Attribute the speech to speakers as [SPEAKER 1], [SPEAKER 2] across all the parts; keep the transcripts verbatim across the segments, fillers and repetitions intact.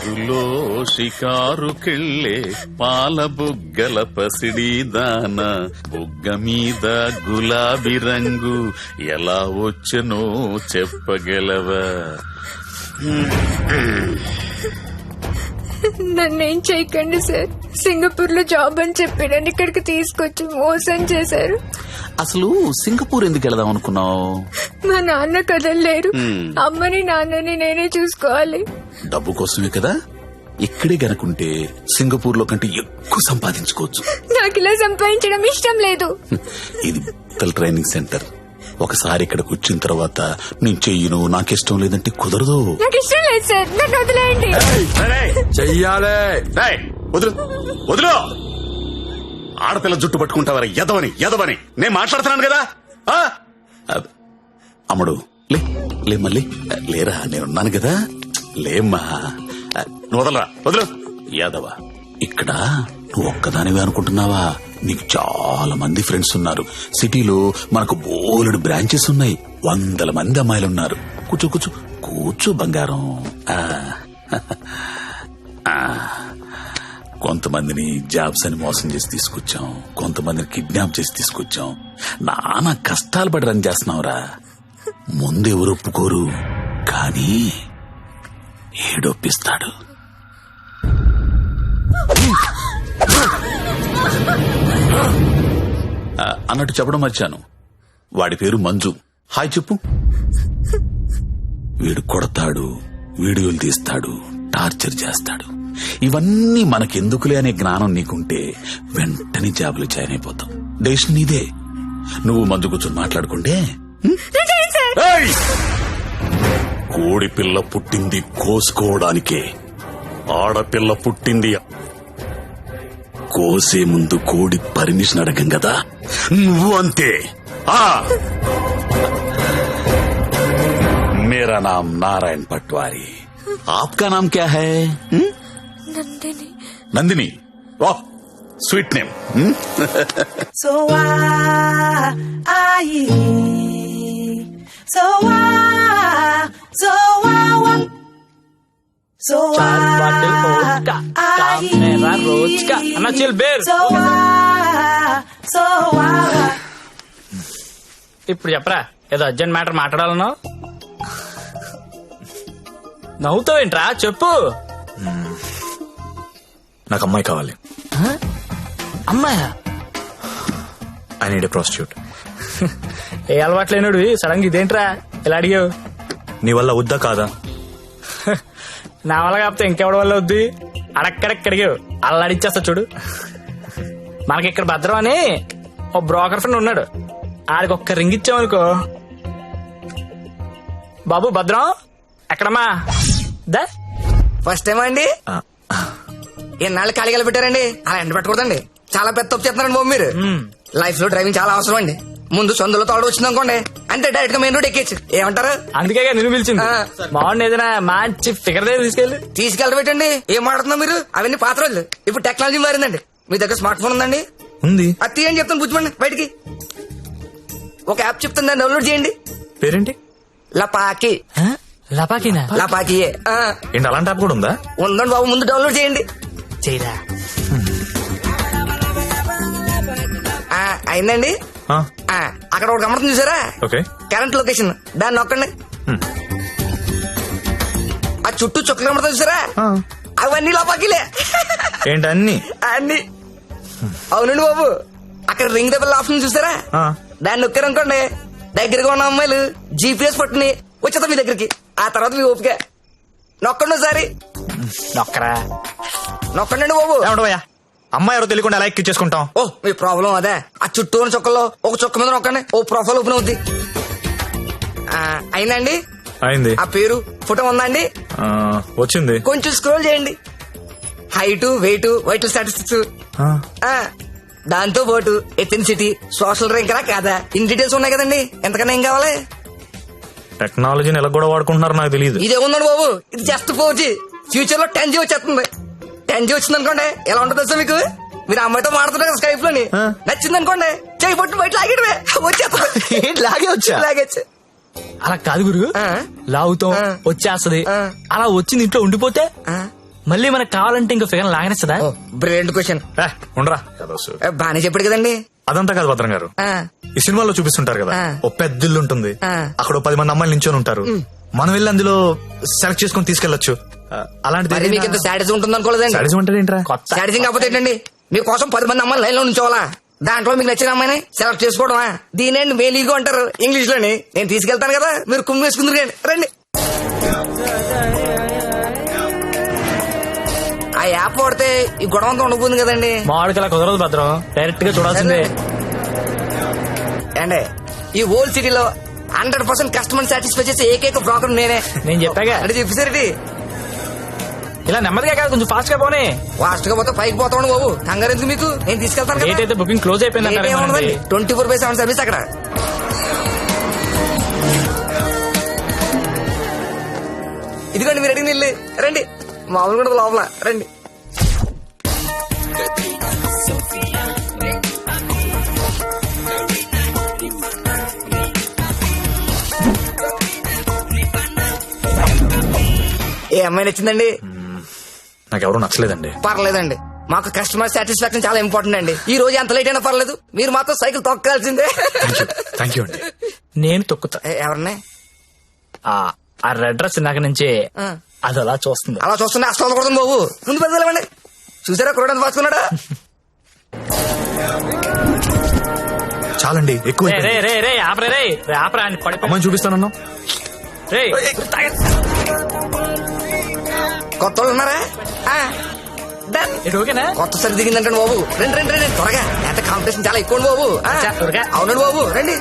[SPEAKER 1] పార్కులో షికారుకెళ్ళే పాల బుగ్గల పసిడి దాన బుగ్గ మీద గులాబీ రంగు ఎలా వచ్చనో చెప్పగలవా?
[SPEAKER 2] నన్నేం చేయకండి సార్. సింగపూర్ లో జాబ్ అని చెప్పి నన్ను ఇక్కడికి తీసుకొచ్చి మోసం చేశారు.
[SPEAKER 1] అసలు సింగపూర్ ఎందుకు వెళదాం అనుకున్నావు?
[SPEAKER 2] మా నాన్న కదలలేరు. అమ్మని నాన్నని నేనే చూసుకోవాలి.
[SPEAKER 1] డబ్బు కోసమే కదా. ఇక్కడే గనుకుంటే సింగపూర్ లో కంటే ఎక్కువ సంపాదించుకోవచ్చు.
[SPEAKER 2] నాకు ఇలా సంపాదించడం ఇష్టం లేదు.
[SPEAKER 1] ఇది ట్రైనింగ్ సెంటర్. ఒకసారి ఇక్కడికి వచ్చిన తర్వాత నేను చెయ్యను, నాకిష్టం లేదంటే కుదరదు.
[SPEAKER 2] నాకు ఇష్టం లేదు సార్, నన్ను వదిలేయండి.
[SPEAKER 3] చెయ్యాలే.
[SPEAKER 1] వదులు వదులు. ఆడపిల్ల జుట్టు పట్టుకుంటావరా ఎదవని ఎదవని నేను మాట్లాడుతున్నాను కదా. అమ్ముడు లే లే మళ్ళీ లేరా, నేనున్నాను కదా. లేమ్మా, నువ్వు వదలరా, వదులు. యాదవ, ఇక్కడ నువ్వు ఒక్కదానివే అనుకుంటున్నావా? నీకు చాలా మంది ఫ్రెండ్స్ ఉన్నారు. సిటీలో మనకు బోలెడు బ్రాంచెస్ ఉన్నాయి. వందల మంది అమ్మాయిలు ఉన్నారు. కూర్చో కూర్చో కూర్చో బంగారం. కొంతమందిని జాబ్స్ అని మోసం చేసి తీసుకొచ్చాం, కొంతమందిని కిడ్నాప్ చేసి తీసుకొచ్చాం. నానా కష్టాలు పడి రన్ చేస్తున్నావురా. ముందెవరు ఒప్పుకోరు, కానీ ఏడొప్పిస్తాడు. అన్నట్టు చెప్పడం మర్చాను, వాడి పేరు మంజు. హాయ్ చెప్పు. వీడు కొడతాడు, వీడియోలు తీస్తాడు, టార్చర్ చేస్తాడు. ఇవన్నీ మనకెందుకులే అనే జ్ఞానం నీకుంటే వెంటనే జాబులు జాయిన్ అయిపోతాం. డెసిషన్ నీదే. నువ్వు మంజు కూర్చొని మాట్లాడుకుంటే. కోడి పిల్ల పుట్టింది కోసుకోవడానికే, ఆడపిల్ల పుట్టింది కోసే ముందు కోడి పర్మిషన్ అడగం కదా. నువ్వు అంతే. मेरा नाम नारायण पटवारी, आपका नाम क्या है?
[SPEAKER 2] నందిని.
[SPEAKER 1] नंदिनी, वाह sweet name.
[SPEAKER 4] So why I so why so why so why
[SPEAKER 3] रोज का अन्ना चिल बेर.
[SPEAKER 4] so why so why.
[SPEAKER 3] ఇప్పుడు చెప్పరా, ఏదో అర్జెంట్ మ్యాటర్ మాట్లాడాలన్నావు. నవ్వుతావేంట్రా, చెప్పు.
[SPEAKER 5] నాకు అమ్మాయి కావాలి.
[SPEAKER 3] అమ్మాయా?
[SPEAKER 5] I need a prostitute.
[SPEAKER 3] ఏ అలవాటు లేనుడు సడన్ గా ఇదేంట్రా ఇలా అడిగావు?
[SPEAKER 5] నీ వల్ల వద్దా కాదా?
[SPEAKER 3] నా వల్ల కాకపోతే ఇంకెవడి వల్ల వద్దు. అడక్కడెక్క అడిగావు, అలా అడిచేస్తా చూడు. మనకి ఇక్కడ భద్రం అని ఓ బ్రోకర్ ఫ్రెండ్ ఉన్నాడు. ఆడికి ఒక్క రింగ్ ఇచ్చామనుకో. బాబు భద్రం ఎక్కడమ్మా? దా
[SPEAKER 6] ఫస్ట్ టైం అండి. ఎన్నాళ్ళు ఖాళీగా పెట్టారండి, అలా ఎండ పెట్టకూడదండి. చాలా పెద్ద తప్పు చేస్తున్నారండి బాబు మీరు. లైఫ్ లో డ్రైవింగ్ చాలా అవసరం అండి. ముందు సొందులో తోడు వచ్చింది అనుకోండి, అంతే డైరెక్ట్ గా మెయిన్ రోడ్ ఎక్కేచ్చు. ఏమంటారు?
[SPEAKER 3] అందుకే నేను పిలిచింది. బాగుంది, ఏదైనా మంచి ఫిగర్ దగ్గర తీసుకెళ్ళి
[SPEAKER 6] తీసుకెళ్ళబెట్టండి. ఏం మాట్లాడుతున్నా మీరు? అవన్నీ పాత రోజులు. ఇప్పుడు టెక్నాలజీ మారిందండి. మీ దగ్గర స్మార్ట్ ఫోన్ ఉందండి?
[SPEAKER 5] ఉంది.
[SPEAKER 6] అది తీయండి చెప్తాను, కూర్చోండి బయటికి. ఒక యాప్ చెప్తాను, దాన్ని డౌన్లోడ్ చేయండి.
[SPEAKER 5] పేరేంటి?
[SPEAKER 6] లపాకి.
[SPEAKER 3] లపాకినా?
[SPEAKER 6] లపాకియే.
[SPEAKER 5] ఏంటి అలాంటి యాప్ కూడా ఉందా?
[SPEAKER 6] ఉందండి బాబు, ముందు డౌన్లోడ్ చేయండి.
[SPEAKER 3] చేయరా
[SPEAKER 6] అయిందండి. అక్కడ ఒక గమనం చూసారా?
[SPEAKER 5] ఓకే.
[SPEAKER 6] కరెంట్ లొకేషన్, దాన్ని నొక్కండి. ఆ చుట్టూ చుక్కలు కనబడతా చూసారా? అవన్నీ లోపాకిలే.
[SPEAKER 5] ఏంటి అన్ని?
[SPEAKER 6] అన్ని. అవునండి బాబు, అక్కడ రింగ్ దెబ్బల ఆప్షన్ చూసారా? దాన్ని నొక్కారనుకోండి, దగ్గరగా ఉన్న అమ్మాయిలు జీపీఎస్ పట్టుని వచ్చేదా మీ దగ్గరికి. ఆ తర్వాత మీ ఓపిక. నొక్కండి ఒకసారి.
[SPEAKER 3] నొక్కరా
[SPEAKER 6] నొక్కండి బాబు.
[SPEAKER 5] ఏమంటావయ్యా, అమ్మాయి ఎవరో తెలియకుండా ఎలా ఎక్కించేసుకుంటాం?
[SPEAKER 6] ఓ మీ ప్రాబ్లం అదే. ఆ చుట్టూ ఉన్న చుక్కల్లో ఒక చుక్క మీద నొక్కండి, ఓ ప్రొఫైల్ ఓపెన్ అవుద్ది. అయిందండి?
[SPEAKER 5] అయింది.
[SPEAKER 6] ఆ పేరు ఫోటో ఉందా అండి?
[SPEAKER 5] వచ్చింది.
[SPEAKER 6] కొంచెం స్క్రోల్ చేయండి. హైట్, వెయిట్, వైటల్ స్టాటిస్టిక్స్, దాంతో పాటు ఎథెన్సిటీ, సోషల్ ర్యాంక్ రా కాదా, ఇన్ డీటెయిల్స్ ఉన్నాయి కదండి. ఎంతకన్నా ఏం కావాలి?
[SPEAKER 5] టెక్నాలజీని ఎలా కూడా వాడుకుంటున్నారు నాకు తెలియదు.
[SPEAKER 6] ఇదే ఉందండి బాబు, ఇది జస్ట్ ఫోర్ జీ. ఫ్యూచర్ లో టెన్ జీ వచ్చేస్తుంది. టెన్ జీ వచ్చింది అనుకోండి, ఎలా ఉంటుంది సార్ మీకు? మీరు అమ్మాయితో మాడుతున్నారు కదా స్కైప్ లోని, నచ్చింది అనుకోండి, చేయి పట్టు బయట లాగేటమే వచ్చేస్తుంది.
[SPEAKER 5] లాగే వచ్చా?
[SPEAKER 6] లాగేచ్చు.
[SPEAKER 3] అలా కాదు గురు, లాగుతాం వచ్చేస్తది. అలా వచ్చింది ఇంట్లో ఉండిపోతే మళ్ళీ మనకు కావాలంటే ఇంకో ఫిగర్ లాగనిస్తుందా?
[SPEAKER 6] Brilliant question.
[SPEAKER 5] ఏ, ఉండరా
[SPEAKER 6] బానే చెప్పాడు కదండి.
[SPEAKER 5] అదంతా కాదు భద్రం గారు,
[SPEAKER 6] ఆ,
[SPEAKER 5] ఈ సినిమాలో చూపిస్తుంటారు కదా
[SPEAKER 6] ఆ.
[SPEAKER 5] ఓ పెద్ద ఇల్లు ఉంటుంది,
[SPEAKER 6] ఆ.
[SPEAKER 5] అక్కడ ఓ పది మంది అమ్మాయిలు నించొని ఉంటారు, మనం వెళ్ళి అందులో సెలెక్ట్ చేసుకుని తీసుకెళ్లొచ్చు. ఆ, అలాంటిది
[SPEAKER 6] మరి మీకు ఇంత సాడిజం ఉంటుంది అనుకోలేదండి.
[SPEAKER 5] సాడిజం అంటే ఏంట్రా?
[SPEAKER 3] కొత్త
[SPEAKER 6] సాడిజం కాకపోతే ఏంటండి, మీకోసం పది మంది అమ్మాయిలు లైన్ లో ఉంచోవాలా, దాంట్లో మీకు నచ్చిన అమ్మాయిని సెలెక్ట్ చేసుకోవడమా? దీనేండి మేలీగో అంటారు ఇంగ్లీష్ లోని. నేను తీసుకెళ్తాను కదా, మీరు కుమ్మి వేసుకుందరు రండి. ఆ యాప్ వాడితే ఈ గొడవ అంతా ఉండబోతుంది కదండి.
[SPEAKER 3] మామిడికి అలా కుదరదు భద్రం, డైరెక్ట్ గా చూడాల్సిందే.
[SPEAKER 6] అండి ఈ ఓల్డ్ సిటీలో హండ్రెడ్ పర్సెంట్ కస్టమర్ సాటిస్ఫై చేసే ఏకైక బ్రోకర్ నేనే.
[SPEAKER 3] నేను చెప్పాగా
[SPEAKER 6] అంటే చెప్పేసరికి
[SPEAKER 3] ఇలా నెమ్మదిగా కాదు, కొంచెం ఫాస్ట్ గా పోనీ.
[SPEAKER 6] ఫాస్ట్ గా పోతే పైకి పోతాను బాబు, కంగారు ఎందుకు మీకు, నేను తీసుకెళ్తాను
[SPEAKER 3] డేట్ అయితే బుకింగ్ క్లోజ్ అయిపోయింది.
[SPEAKER 6] Twenty four by seven service అక్కడ. ఇదిగోండి మీరు అడిగిన ఇల్లు, రండి. మామూలు కూడా లోపల రండి. ఏ అమ్మాయి నచ్చిందండి?
[SPEAKER 5] నాకు ఎవరు నచ్చలేదండి.
[SPEAKER 6] పర్లేదండి, మాకు కస్టమర్ సాటిస్ఫాక్షన్ చాలా ఇంపార్టెంట్ అండి. ఈ రోజు ఎంత లేట్ అయినా పర్లేదు, మీరు మాత్రం సైకిల్ తొక్కాల్సిందే.
[SPEAKER 5] థ్యాంక్ యూ అండి.
[SPEAKER 3] నేను తొక్కుతా.
[SPEAKER 6] ఏ, ఎవరిని?
[SPEAKER 3] ఆ ఆ రెడ్ డ్రెస్ నాకు నుంచి
[SPEAKER 6] ఆ.
[SPEAKER 3] అది అలా చూస్తుంది.
[SPEAKER 6] అలా చూస్తుంటే అసలు కొడుతుంది బాబు, ముందు పెద్దలేమండి. చూసారా కురడానికి పాసుకున్నాడా?
[SPEAKER 5] చాలండి, ఎక్కువ
[SPEAKER 3] రే రే రే రే ఆపరే రే రే ఆపరా అని పడి
[SPEAKER 5] అమ్మాయిని చూపిస్తానన్నా.
[SPEAKER 3] రే
[SPEAKER 6] కొత్త వాళ్ళు ఉన్నారా? ఆ, done.
[SPEAKER 3] ఇది ఓకేనా?
[SPEAKER 6] కొత్త సరి దిగిందంటే బాబు, రండి రండి రండి త్వరగా. ఎంత కాంపిటీషన్ చాలా ఎక్కువ బాబు. ఆ,
[SPEAKER 3] చా, త్వరగా.
[SPEAKER 6] అవునండి బాబు, రండి.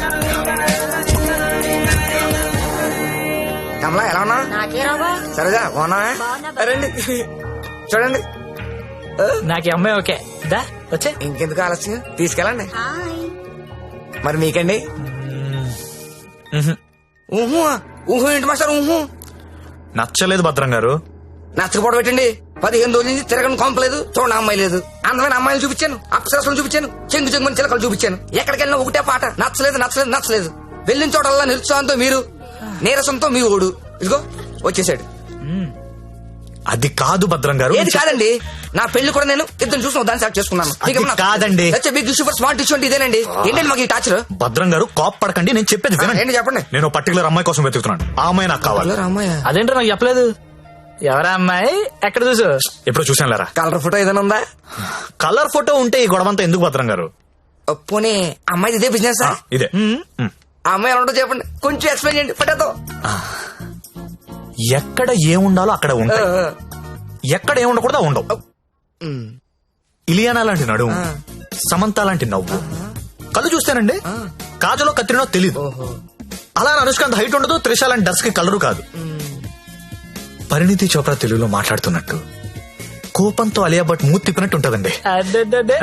[SPEAKER 6] కమలా ఎలా ఉన్నా? సరేగా బాగున్నా? రండి చూడండి.
[SPEAKER 3] నాకు ఈ అమ్మాయి ఓకే. దా వచ్చే.
[SPEAKER 6] ఇంకెందుకు ఆలస్యం, తీసుకెళ్ళండి. మరి మీకండి? ఊహు ఊహు ఏంటి మాస్టర్ ఊహు?
[SPEAKER 5] నచ్చలేదు భద్రం గారు.
[SPEAKER 6] నచ్చకపోవడం పెట్టండి. పదిహేను రోజుల నుంచి తిరగని కొంపలేదు, చూడండి అమ్మాయి లేదు. అందమైన అమ్మాయిలు చూపించాను, అప్సరసలు చూపించాను, చెంగు చెంగుని చిలకలు చూపించాను. ఎక్కడికి వెళ్ళినా ఒకటే పాట, నచ్చలేదు నచ్చలేదు నచ్చలేదు. వెళ్ళిన చోటల్లా నిరుత్సాహంతో మీరు, నీరసంతో మీ ఓడు. ఇదిగో వచ్చేసాడు.
[SPEAKER 5] అది కాదు భద్రం గారు.
[SPEAKER 6] ఏది కాదండి, నా పెళ్లి కూడా నేను ఇద్దరు చూసిన దాన్ని సెలెక్ట్ చేసుకున్నాను.
[SPEAKER 5] అది కాదండి.
[SPEAKER 6] బిగ్ సూపర్ స్మార్ట్ ఇష్యూ అంటే ఇదేనండి. ఏంటండి మాకు ఈ టాచర్?
[SPEAKER 5] భద్రం గారు కాప్ పడకండి, నేను చెప్పేది వినండి.
[SPEAKER 6] ఏంటి చెప్పండి.
[SPEAKER 5] నేను పర్టికులర్ అమ్మాయి కోసం వెతుకుతున్నాను, ఆ అమ్మాయి నాకు కావాలి.
[SPEAKER 6] అమ్మాయి
[SPEAKER 3] అదేంటో నాకు చెప్పలేదు. ఎవరా అమ్మాయి? ఎక్కడ చూసు?
[SPEAKER 5] ఎప్పుడు చూసాను లేరా.
[SPEAKER 6] కలర్ ఫోటో ఏదైనా ఉందా?
[SPEAKER 5] కలర్ ఫోటో ఉంటే ఈ గొడవంతా ఎందుకు భద్రం గారు?
[SPEAKER 6] పోనీ అమ్మాయి ఇదే బిజినెస్?
[SPEAKER 5] ఇదే. మ్.
[SPEAKER 6] ఆ అమ్మాయి ఎలా ఉంటుందో చెప్పండి, కొంచెం ఎక్స్ప్లెయిన్ చేయండి. పట్టేద్దాం.
[SPEAKER 5] ఎక్కడ ఏముండాలో అక్కడ ఉంటాయి, ఎక్కడ ఏముండకూడదు ఉండవు. ఇలియానా లాంటి నడుము, సమంత లాంటి నవ్వు, కళ్ళు చూస్తేనండి కాజలో కత్తిరినో తెలీదు. అలా అనుష్కాంత్ హైట్ ఉండదు, త్రిష లాంటి డస్ కి కలరు కాదు. పరిణితి చోప్రా తెలుగులో మాట్లాడుతున్నట్టు కోపంతో అలియా భట్ మూతి తిప్పినట్టు ఉంటదండి.
[SPEAKER 3] అదే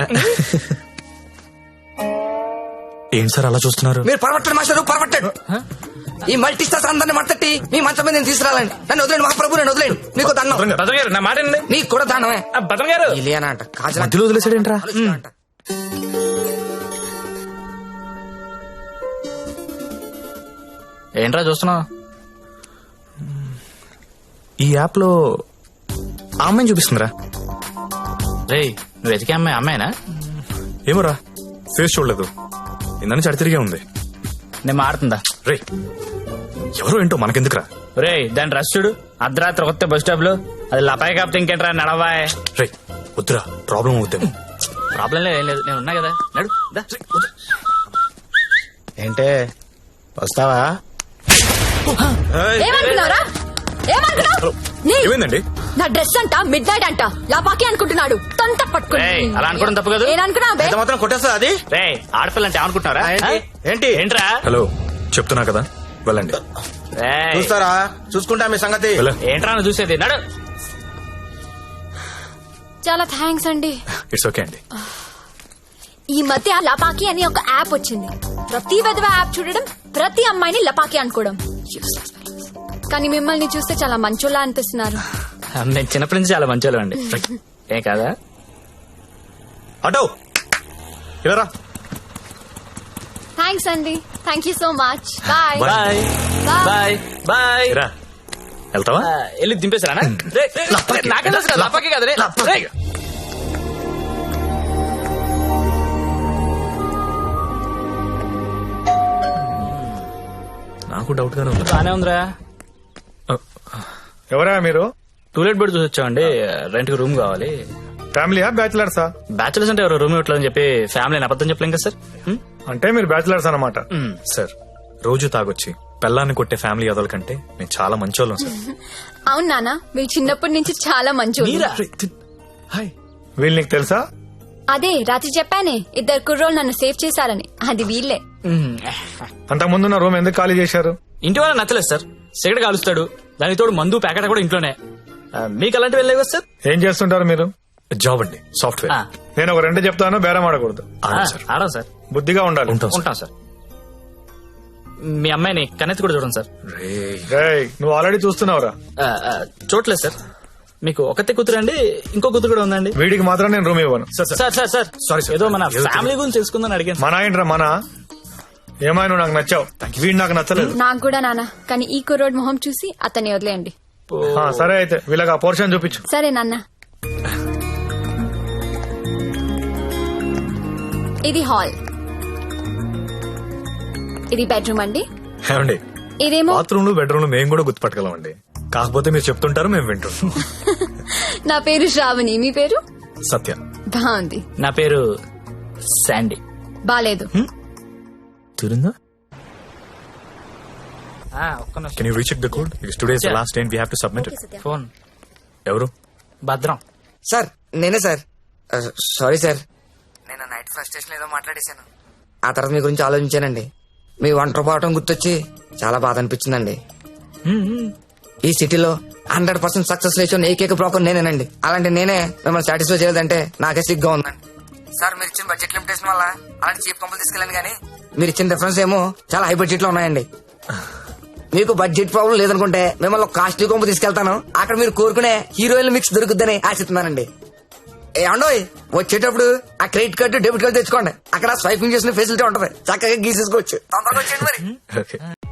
[SPEAKER 5] ఏం సార్ అలా చూస్తున్నారు?
[SPEAKER 6] మీరు పరమట్టండి మాస్టర్, పరమట్టండి. ఈ మల్టీ స్టార్స్ అందరిని మట్టట్టి మీ మంచం మీద నేను తీసుకురాలండి. నన్ను వదిలేండి మహాప్రభు, నేను వదిలేండి. మీకు దండం.
[SPEAKER 3] భద్రం గారు నా మాట వినండి.
[SPEAKER 6] నీకు కూడా దండమే.
[SPEAKER 3] ఆ, భద్రం గారు
[SPEAKER 6] ఇలియానా అంట, కాజల్ అంట,
[SPEAKER 5] మధ్యలో వదిలేసాడేంట్రా?
[SPEAKER 6] అనుష్క అంట.
[SPEAKER 3] ఏంట్రా చూస్తున్నావు?
[SPEAKER 5] ఈ యాప్ లో ఆ అమ్మాయిని చూపిస్తుందిరా.
[SPEAKER 3] రే నువ్వు వెతికే అమ్మాయి అమ్మాయినా?
[SPEAKER 5] ఏమోరా, ఫేస్ చూడలేదు, ఇందని చడి తిరిగే ఉంది.
[SPEAKER 3] నేను మాడుతుందా?
[SPEAKER 5] రే ఎవరో ఏంటో మనకెందుకురా.
[SPEAKER 3] రే దాని రష్ చూడు, అర్ధరాత్రి కొత్త బస్ స్టాప్ లో. అది లపాయి కాపుతే ఇంకేంట్రా నడవాయ్.
[SPEAKER 5] రే వద్దురా, ప్రాబ్లం అవుతాము.
[SPEAKER 3] ప్రాబ్లం లేదు, ఏం లేదు, నేను ఉన్నా కదా. నడు దా.
[SPEAKER 7] ఏంటే వస్తావా?
[SPEAKER 2] ఏమనుకున్నారా? ఏమనుకున్నావు? నీ-
[SPEAKER 5] ఏమైందండి?
[SPEAKER 2] నా డ్రెస్ అంట మిడ్ నైట్ అంట లాపాకి అనుకుంటున్నాడు. తొంత పట్టుకుని
[SPEAKER 3] ఏయ్, అలా అనుకోవడం తప్పు కాదు.
[SPEAKER 2] నేననుకున్నా బే.
[SPEAKER 7] ఎంత మాత్రం కొట్టేస్తా అది?
[SPEAKER 3] రే ఆడపిల్ల అంటే అనుకుంటున్నారా?
[SPEAKER 7] ఆ, ఏంటి? ఏంటి?
[SPEAKER 3] ఏంట్రా?
[SPEAKER 5] హలో చెప్తున్నా కదా, వెళ్ళండి.
[SPEAKER 3] రేయ్,
[SPEAKER 7] చూస్తారా? చూసుకుంటా మీ సంగతి.
[SPEAKER 5] వెళ్ళ.
[SPEAKER 3] ఏంట్రా నువ్వు చూసేది? నడు.
[SPEAKER 2] చాలా థ్యాంక్స్ అండి.
[SPEAKER 5] ఇట్స్ ఓకే అండి.
[SPEAKER 2] ఈ మధ్య లపాకి అని ఒక యాప్ వచ్చింది. ప్రతి విధవ యాప్ చూడడం, ప్రతి అమ్మాయిని లపాకి అనుకోవడం. Useless fellows. కానీ మిమ్మల్ని చూస్తే చాలా మంచోళ్ళ అనిపిస్తున్నారు.
[SPEAKER 3] నేను చిన్నప్పటి నుంచి చాలా మంచోళ్ళు అండి. ఏ కాదా?
[SPEAKER 5] అటో ఇలా
[SPEAKER 2] థ్యాంక్స్ అండి. Thank you so much. Bye
[SPEAKER 5] Bye.
[SPEAKER 3] Bye bye bye.
[SPEAKER 5] రా. వెళ్తావా
[SPEAKER 3] ఆ, వెళ్ళి దింపేశారా నాకే తెలుసు కదా, లపాకి కదా రే. రే.
[SPEAKER 5] నాకు డౌట్ గానే ఉంది
[SPEAKER 3] బానే ఉందిరా.
[SPEAKER 8] ఎవరా మీరు?
[SPEAKER 3] టూలెట్ బెడ్ చూసి వచ్చామండి. రెంట్ కి రూమ్ కావాలి.
[SPEAKER 8] ఫ్యామిలీయా బ్యాచిలర్సా?
[SPEAKER 3] బ్యాచులర్స్ అంటే ఎవరు రూమ్ ఇవ్వట్లేదని చెప్పి ఫ్యామిలీ అబద్ధం చెప్పలేం కదా సార్. హ్మ్?
[SPEAKER 8] అంటే మీరు బ్యాచిలర్స్ అన్నమాట.
[SPEAKER 3] హ్మ్.
[SPEAKER 5] సార్ రోజు తాగొచ్చి పెళ్ళాన్ని కొట్టే ఫ్యామిలీ అదల కంటే మేము చాలా మంచోళ్ళం సార్.
[SPEAKER 2] అవును నాన్న, మీరు చిన్నప్పటి నుంచి చాలా మంచి
[SPEAKER 3] మీరా?
[SPEAKER 5] హాయ్
[SPEAKER 8] వీళ్ళు నీకు తెలుసా?
[SPEAKER 2] అదే రాత్రి చెప్పానే, ఇద్దరు కుర్రోళ్ళు నన్ను సేవ్ చేశారని, అది వీళ్ళే.
[SPEAKER 3] హ్మ్.
[SPEAKER 8] అంతకు ముందున్న రూమ్ ఎందుకు ఖాళీ చేశారు?
[SPEAKER 3] ఇంటి వాళ్ళ నచ్చలేదు సార్. సిగరెట్ కాలుస్తాడు, దానికి తోడు మందు ప్యాకెట్ కూడా ఇంట్లోనే. ఆ, మీకు అలాంటివి వెళ్ళలేవు కదా సార్.
[SPEAKER 8] ఏం చేస్తుంటారు మీరు?
[SPEAKER 5] జాబ్ అండి, సాఫ్ట్వేర్.
[SPEAKER 3] ఆ,
[SPEAKER 8] నేను ఒక రెండు చెప్తాను, బేరం ఆడకూడదు.
[SPEAKER 3] ఆ,
[SPEAKER 5] ఆడం సార్.
[SPEAKER 3] ఆడం సార్.
[SPEAKER 8] బుద్ధిగా ఉండాలి.
[SPEAKER 5] ఉంటాం సార్.
[SPEAKER 3] ఉంటాం సార్. మీ అమ్మాయిని కన్నెత్తి కూడా చూడండి సార్.
[SPEAKER 5] రేయ్.
[SPEAKER 8] రేయ్, నువ్వు ఆల్రెడీ చూస్తున్నావురా.
[SPEAKER 3] ఆ, ఆ, చూడలేదు సార్. మీకు ఒకతే కూతురు అండి, ఇంకో కూతురు కూడా ఉందండి.
[SPEAKER 8] వీడికి మాత్రం నేను రూమ్ ఇవ్వను.
[SPEAKER 5] Sir sir
[SPEAKER 3] sir sir sir
[SPEAKER 5] Sorry, sir.
[SPEAKER 3] ఏదో మన
[SPEAKER 5] ఏదో
[SPEAKER 3] ఫ్యామిలీ గురించి తెలుసుకుందని అడిగాను సార్.
[SPEAKER 8] మన ఏంట్రా మన? ఏమైనా నువ్వు నాకు నచ్చావు, వీడు నాకు నచ్చలేదు.
[SPEAKER 2] నాకు కూడా నాన్న, కానీ ఈ కుర్రోడ్ మొహం చూసి అతన్ని వదిలేయండి.
[SPEAKER 8] ఆ, సరే అయితే వీళ్ళకి ఆ పోర్షన్ చూపించు.
[SPEAKER 2] సరే నాన్న. ఇది హాల్, ఇది బెడ్రూమ్ అండి,
[SPEAKER 5] ఏమండి
[SPEAKER 2] ఇదేమో
[SPEAKER 5] బాత్రూమ్ లో బెడ్రూమ్ లో మేము కూడా గుర్తుపట్టగలం అండి. కాకపోతే మీరు చెప్తుంటారు మేము వింటుంటాం.
[SPEAKER 2] నా పేరు శ్రావణి, మీ పేరు?
[SPEAKER 5] సత్య.
[SPEAKER 2] బాగుంది.
[SPEAKER 3] నా పేరు శాండీ.
[SPEAKER 2] బాలేదు.
[SPEAKER 5] తిరుందా?
[SPEAKER 3] ఆ, ఒక్క నిమిషం.
[SPEAKER 5] Can you recheck the code? Today is the
[SPEAKER 3] Yeah.
[SPEAKER 5] Last day we have to submit it.
[SPEAKER 3] Phone
[SPEAKER 5] ఎవరు?
[SPEAKER 3] భద్రం.
[SPEAKER 6] సార్ నేనే సార్. సారీ సార్, నేను నైట్ ఫ్రస్ట్రేషన్ ఏదో మాట్లాడేశాను. ఆ తర్వాత మీ గురించి ఆలోచించానండి. మీ ఒంటరి పోవటం గుర్తొచ్చి చాలా బాధ అనిపించిందండి. ఈ సిటీలో హండ్రెడ్ పర్సెంట్ సక్సెస్ లేచిన ఏకైక బ్రోకర్ నేనేనండి. అలాంటి నేనే మిమ్మల్ని సాటిస్ఫై చేయలేదంటే నాకే సిగ్గా ఉందండి. సార్ మీరు ఇచ్చిన బడ్జెట్ లిమిటేషన్ వల్ల అలాంటి చీప్ కంపెనీ తీసుకెళ్ళండి, కానీ మీరు ఇచ్చిన డిఫరెన్స్ ఏమో చాలా హై బడ్జెట్ లో ఉన్నాయండి. మీకు బడ్జెట్ ప్రాబ్లం లేదనుకుంటే మిమ్మల్ని కాస్ట్లీ కొంపు తీసుకెళ్తాను. అక్కడ మీరు కోరుకునే హీరోయిన్ మిక్స్ దొరుకుద్దని ఆశిస్తున్నానండి. ఏమండోయ్, వచ్చేటప్పుడు ఆ క్రెడిట్ కార్డు డెబిట్ కార్డు తెచ్చుకోండి. అక్కడ స్వైపింగ్ చేసిన ఫెసిలిటీ ఉంటది, చక్కగా గీసేసుకోవచ్చు. తొందరగా వచ్చేయండి మరి.
[SPEAKER 5] ఓకే.